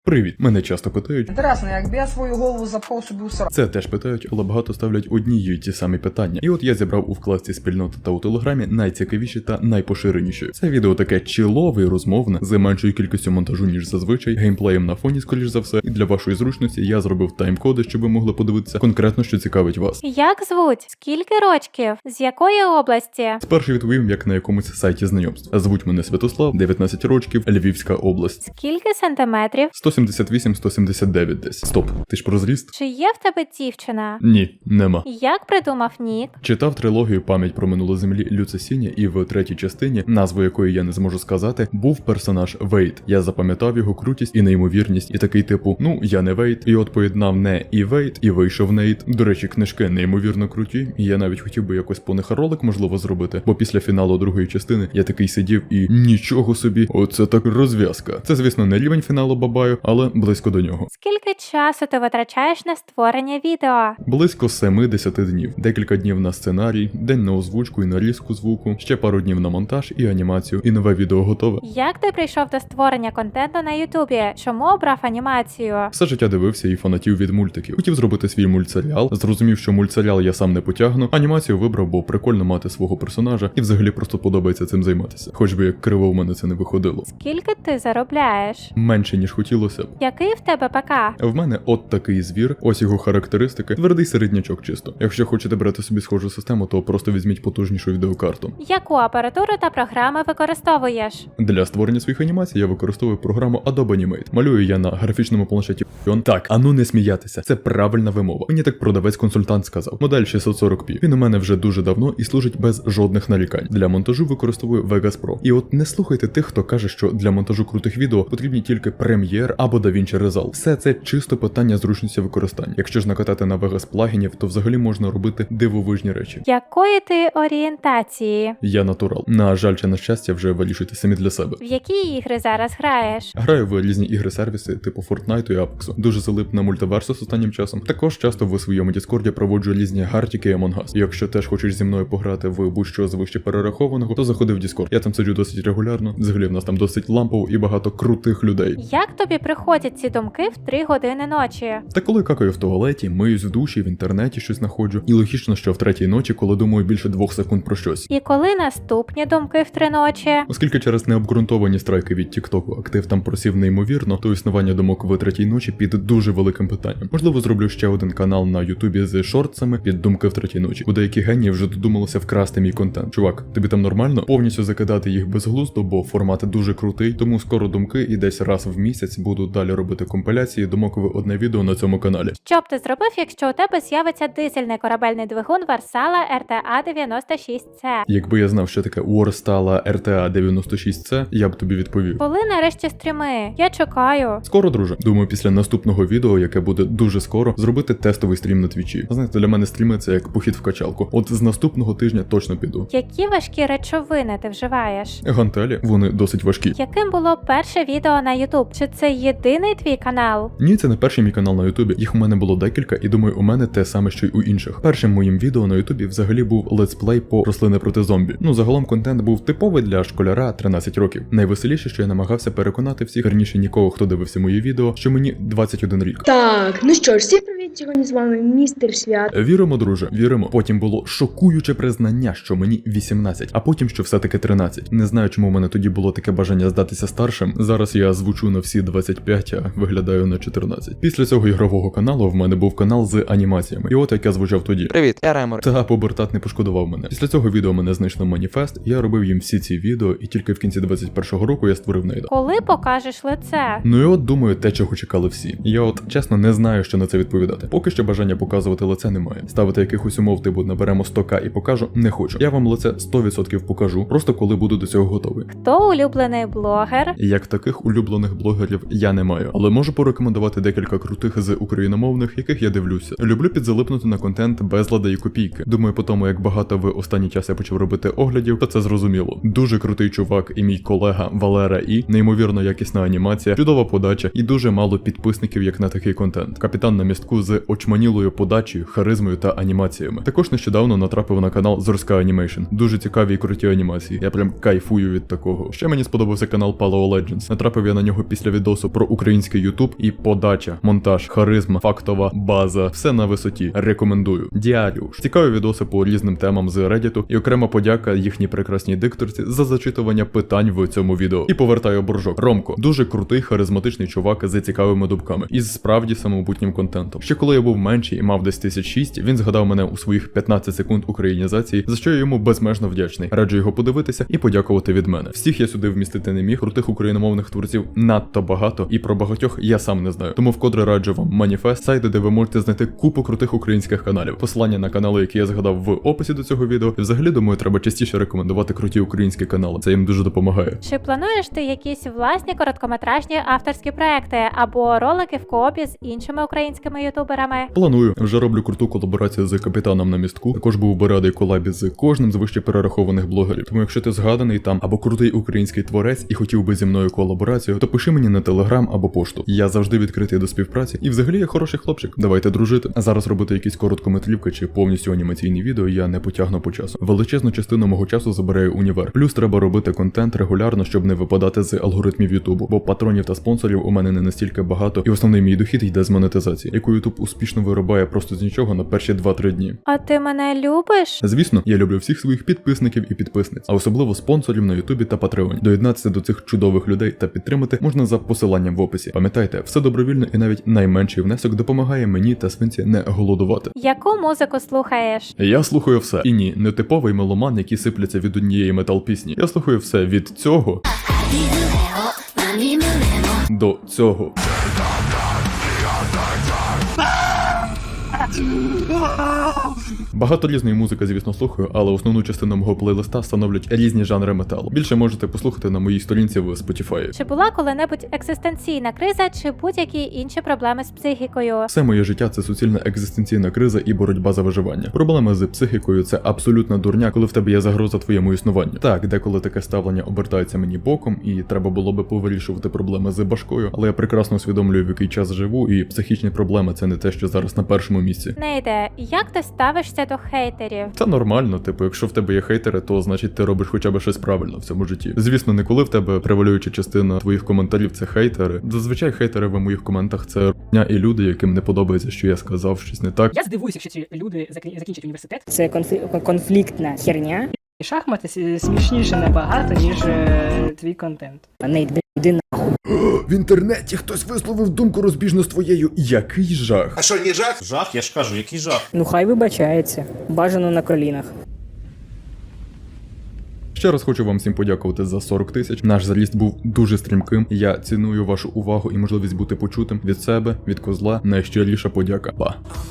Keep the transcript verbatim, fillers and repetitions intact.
Привіт, мене часто питають. Інтересно, якби я свою голову запхав собі у сраку. Це теж питають, але багато ставлять одні й ті самі питання. І от я зібрав у вкладці спільноти та у телеграмі найцікавіші та найпоширеніші. Це відео таке чилове і розмовне, з меншою кількістю монтажу, ніж зазвичай, геймплеєм на фоні, скоріш за все. І для вашої зручності я зробив тайм-коди, щоб ви могли подивитися конкретно, що цікавить вас. Як звуть? Скільки рочків? З якої області? Спершу відповім, як на якомусь сайті знайомств. Звуть мене Святослав, дев'ятнадцять років, Львівська область. Скільки сантиметрів? сто сімдесят вісім - сто сімдесят дев'ять десь. Стоп, ти ж про зріст? Чи є в тебе дівчина? Ні, нема. Як придумав нік? Читав трилогію «Пам'ять про минуле землі» Люца Сіня, і в третій частині, назву якої я не зможу сказати, був персонаж Вейд. Я запам'ятав його крутість і неймовірність, і такий типу, ну, я не Вейд, і от поєднав не і Вейд, і вийшов Нейт. До речі, книжки неймовірно круті, і я навіть хотів би якось по них ролик, можливо, зробити, бо після фіналу другої частини я такий сидів і нічого собі, оце так розв'язка. Це, звісно, не рівень фіналу Бабаю, але близько до нього. Скільки часу ти витрачаєш на створення відео? Близько семи-десяти днів. Декілька днів на сценарій, день на озвучку і нарізку звуку, ще пару днів на монтаж і анімацію, і нове відео готове. Як ти прийшов до створення контенту на Ютубі? Чому обрав анімацію? Все життя дивився і фанатів від мультиків. Хотів зробити свій мультсеріал, зрозумів, що мультсеріал я сам не потягну. Анімацію вибрав, бо прикольно мати свого персонажа, і взагалі просто подобається цим займатися. Хоч би як криво в мене це не виходило. Скільки ти заробляєш? Менше, ніж хотілося б. Який в тебе ПК? В мене от такий звір, ось його характеристики, твердий середнячок чисто. Якщо хочете брати собі схожу систему, то просто візьміть потужнішу відеокарту. Яку апаратуру та програми використовуєш? Для створення своїх анімацій я використовую програму Adobe Animate. Малюю я на графічному планшеті. Так, а ну не сміятися, це правильна вимова. Мені так продавець-консультант сказав. Модель шістсот сорок пі. Він у мене вже дуже давно і служить без жодних нарікань. Для монтажу використовую Vegas Pro. І от не слухайте тих, хто каже, що для монтажу крутих відео потрібні тільки Premiere або DaVinci Resolve. Все це чисто питання зручності використання. Якщо ж накатати на Vegas плагінів, то взагалі можна робити дивовижні речі. Якої ти орієнтації? Я натурал. На жаль, чи на щастя, вже вирішуйте самі для себе. В які ігри зараз граєш? Граю в різні ігри-сервіси, типу Fortnite і Apex. Дуже залип на мультиверсус останнім часом. Також часто в своєму Діскорді проводжу різні гартіки і Among Us. Якщо теж хочеш зі мною пограти в будь-що з вище перерахованого, то заходи в Discord. Я там сиджу досить регулярно. Взагалі в нас там досить лампово і багато крутих людей. Як тобі приходять ці думки в три години ночі? Та коли какаю в туалеті, миюсь в душі, в інтернеті щось знаходжу. І логічно, що в третій ночі, коли думаю більше двох секунд про щось. І коли наступні думки в три ночі? Оскільки через необґрунтовані страйки від Тіктоку актив там просів неймовірно, то існування думок в третій ночі під дуже великим питанням. Можливо, зроблю ще один канал на Ютубі з шортсами під думки в третій ночі. У деякі генії вже додумалося вкрасти мій контент. Чувак, тобі там нормально? Повністю закидати їх безглуздо, бо формат дуже крутий, тому скоро думки і десь раз в місяць буду далі робити компіляції думок в одне відео на цьому каналі. Що б ти зробив, якщо у тебе з'явиться дизельний корабельний двигун Варсала ер те а дев'яносто шість це? Якби я знав, що таке Warstala ер те а дев'яносто шість це, я б тобі відповів. Коли нарешті стріми? Я чекаю. Скоро, друже. Думаю, після наступного відео, яке буде дуже скоро, зробити тестовий стрім на твічі. Знаєте, для мене стріми це як похід в качалку. От з наступного тижня точно піду. Які важкі речовини ти вживаєш? Гантелі, вони досить важкі. Яким було перше відео на Ютуб? Чи це єдиний твій канал? Ні, це не перший мій канал на Ютубі. Їх у мене було декілька, і думаю, у мене те саме, що й у інших. Першим моїм відео на Ютубі взагалі був летсплей по рослини проти зомбі. Ну, загалом контент був типовий для школяра тринадцять років. Найвеселіше, що я намагався переконати всіх, верніше нікого, хто дивився мої відео, що мені двадцять один рік. Так, ну що ж, всім привіт, сьогодні з вами містер Свят. Віримо, друже, віримо. Потім було шокуюче признання, що мені вісімнадцять, а потім, що все-таки тринадцять. Не знаю, чому в мене тоді було таке бажання здатися старшим. Зараз я звучу на всі двадцять п'ять, а виглядаю на чотирнадцять. Після цього ігрового каналу в мене був канал з анімаціями. І от як я звучав тоді. Привіт, я Ремор. Та побертат не пошкодував мене. Після цього відео мене знайшло маніфест, я робив їм всі ці відео, і тільки в кінці двадцять першого року я створив Нейда. Коли покажеш лице? Ну і от думаю, те, чого чекали всі. Я от чесно не знаю, що на це відповідати. Поки що бажання показувати лице немає. Ставити якихось умов, типу наберемо сто ка і покажу, не хочу. Я вам лице сто відсотків покажу, просто коли буду до цього готовий. Хто улюблений блогер? Як таких улюблених блогерів я не маю, але можу порекомендувати декілька крутих з україномовних, яких я дивлюся. Люблю підзалипнути на контент безлада і копійки. Думаю, по тому, як багато в останній час я почав робити оглядів, то це зрозуміло. Дуже крутий чувак і мій колега Валера І, неймовірно якісна анімація, чудова подача і дуже мало підписників, як на такий контент. Капітан на містку з з очманілою подачею, харизмою та анімаціями. Також нещодавно натрапив на канал Зорська Анімейшн. Дуже цікаві і круті анімації. Я прям кайфую від такого. Ще мені сподобався канал Paleo Legends. Натрапив я на нього після відосу про український ютуб, і подача, монтаж, харизма, фактова база, все на висоті. Рекомендую. Діаріуш. Цікаві відоси по різним темам з Reddit, і окрема подяка їхній прекрасній дикторці за зачитування питань в цьому відео. І повертаю боржок. Ромко, дуже крутий, харизматичний чувак з цікавими дубками і з справді самобутнім контентом. Ще коли я був менший і мав десь тисяч шість, він згадав мене у своїх п'ятнадцять секунд українізації, за що я йому безмежно вдячний. Раджу його подивитися і подякувати від мене. Всіх я сюди вмістити не міг, крутих україномовних творців надто багато, і про багатьох я сам не знаю. Тому вкотре раджу вам Маніфест, сайти, де ви можете знайти купу крутих українських каналів. Посилання на канали, які я згадав в описі до цього відео. І взагалі, думаю, треба частіше рекомендувати круті українські канали. Це їм дуже допомагає. Чи плануєш ти якісь власні короткометражні авторські проекти або ролики в коопі з іншими українськими ютуберами? Планую. Вже роблю круту колаборацію з Капітаном на містку. Також був би радий колабі з кожним з вище перерахованих блогерів. Тому якщо ти згаданий там або крутий український творець і хотів би зі мною колаборацію, то пиши мені на телеграм або пошту. Я завжди відкритий до співпраці і взагалі я хороший хлопчик. Давайте дружити. А зараз робити якісь короткометрівки чи повністю анімаційні відео я не потягну по часу. Величезну частину мого часу забирає універ. Плюс треба робити контент регулярно, щоб не випадати з алгоритмів Ютубу, бо патронів та спонсорів у мене не настільки багато, і основний мій дохід йде з монетизації, яку Ютуб успішно вирубає просто з нічого на перші два-три дні. А ти мене любиш? Звісно, я люблю всіх своїх підписників і підписниць, а особливо спонсорів на Ютубі та Патреоні. Доєднатися до цих чудових людей та підтримати можна за посиланням в описі. Пам'ятайте, все добровільно і навіть найменший внесок допомагає мені та свинці не голодувати. Яку музику слухаєш? Я слухаю все. І ні, не типовий меломан, який сипляться від однієї метал-пісні. Я слухаю все від цього до цього. Багато різної музики, звісно, слухаю, але основну частину мого плейлиста становлять різні жанри металу. Більше можете послухати на моїй сторінці в Spotify. Чи була коли-небудь екзистенційна криза чи будь-які інші проблеми з психікою? Все моє життя – це суцільна екзистенційна криза і боротьба за виживання. Проблеми з психікою – це абсолютна дурня, коли в тебе є загроза твоєму існуванню. Так, деколи таке ставлення обертається мені боком, і треба було би повирішувати проблеми з башкою, але я прекрасно усвідомлюю, в який час живу, і психічні проблеми – це не те, що зараз на першому місці. Нейде, як ти ставишся до хейтерів? Це нормально, типу, якщо в тебе є хейтери, то значить ти робиш хоча б щось правильно в цьому житті. Звісно, не коли в тебе превалююча частина твоїх коментарів це хейтери. Зазвичай хейтери в моїх коментах це р**ня і люди, яким не подобається, що я сказав щось не так. Я здивуюся, якщо ці люди закін- закінчать університет. Це конфлі- конфліктна херня. І шахмати с- смішніше набагато, ніж е, твій контент. Нейт, блядь, іди нахуй. В інтернеті хтось висловив думку розбіжно з твоєю. Який жах. А що, не жах? Жах, я ж кажу, який жах. Ну хай вибачається. Бажано на колінах. Ще раз хочу вам всім подякувати за сорок тисяч. Наш заліст був дуже стрімким. Я ціную вашу увагу і можливість бути почутим від себе, від козла. Найщиріша подяка. Па.